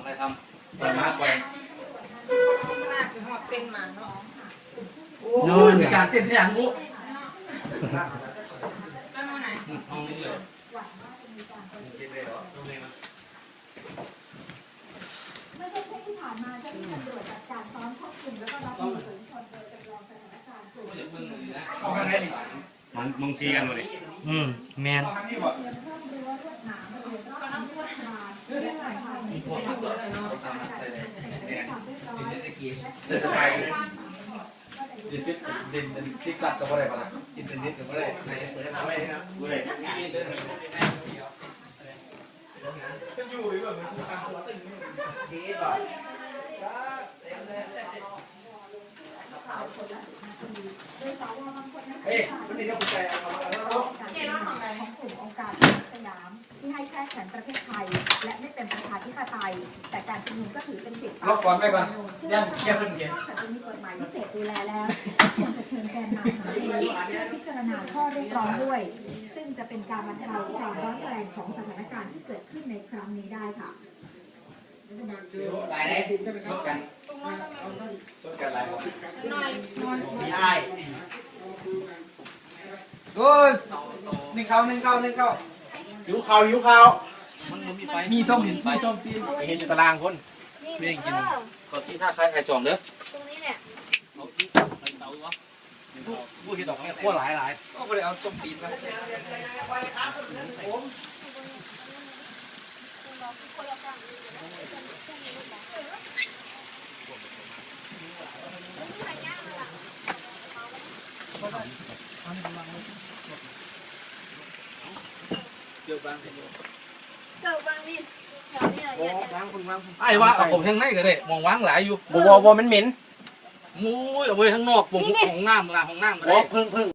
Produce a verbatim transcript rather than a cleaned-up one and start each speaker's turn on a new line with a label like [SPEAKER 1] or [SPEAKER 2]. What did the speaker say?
[SPEAKER 1] ทำไปมาแกง
[SPEAKER 2] น่าจะหอบเป็นหมาเนาะ
[SPEAKER 1] โอ้ยการเต้นที่อย่างงู
[SPEAKER 2] แล้วมาไหน
[SPEAKER 1] ห้องนี้เลย
[SPEAKER 3] ไม่ใช่แค่ที่ผ่านมาเจ้าหน้าที่ตำรวจจัดการซ้อมควบคุมแล้วก็รับมือฝูงชนโดยจำลองสถานการณ์กลุ่ม
[SPEAKER 4] มันมึงซีกันหมดเลยอืมแมน
[SPEAKER 1] เสร็จไปดินฟิตดินฟิกซัดกับอะไรบ้างดินดินกับอะไรไหนเปิดทำอะไรนะกูเลยอยู่หรือแบบมันทำตัวตึงดีก่อนเฮ้ยวันนี้เราคุยกันเอาเอา
[SPEAKER 3] เกณฑ์ของกลุ่มองค์การสยามที่ให้แทรกแซงประเทศไทยและไม่เป็นประชาธิปไตยแต่การชุมนุมก็ถือเป็นสิทธิ์
[SPEAKER 1] ล็อกก่อนไปก่อนยัง
[SPEAKER 3] เชื่อเป็นเกณฑ์จะมีกฎหมายพิเศษดูแลแล้วควรจะเชิญแกนนำมาเพื่อพิจารณาข้อเรียกร้องด้วยซึ่งจะเป็นการบรรเทาความร้อนแรงของสถานการณ์ที่เกิดขึ้นในครั้งนี้ได้ค่ะ
[SPEAKER 1] หลายได้สดกันสดกันหลาย
[SPEAKER 2] น้อยน้อย
[SPEAKER 1] ใช่
[SPEAKER 5] โอ้ยหนึ่งเข้าหนึ่งเข้าหนึ่งเข้า
[SPEAKER 1] หิวข้าวหิวข้าวมันมีไฟ
[SPEAKER 5] มีส้มเห็นไฟส้มตีเห็นอยู่ตารางคน
[SPEAKER 2] ไม่ได้กิน
[SPEAKER 1] ก็ที่ท่าคล้ายไข่จอมเด้อ
[SPEAKER 2] ตรงนี้เนี่ย
[SPEAKER 1] เอาที่ไข่เตาวะผู้ที่ดอกเนี่ยขั้วหลายหลาย
[SPEAKER 5] ก็ไปเอาส้มตีนมาเกี่ยวบางเ
[SPEAKER 2] กี่ยวบางนี่แถวนี้อะไรเนี่ย
[SPEAKER 5] วางคนวาง
[SPEAKER 1] ไอ้ว่าผมทางไหนก็ได้มองวางหลายอยู่
[SPEAKER 5] บัวบัวมันเหม็น
[SPEAKER 1] มุ้ยเอาไว้ข้างนอกผมห้องน้ำนะห้องน้ำก็ได้
[SPEAKER 5] พึ่งพึ่ง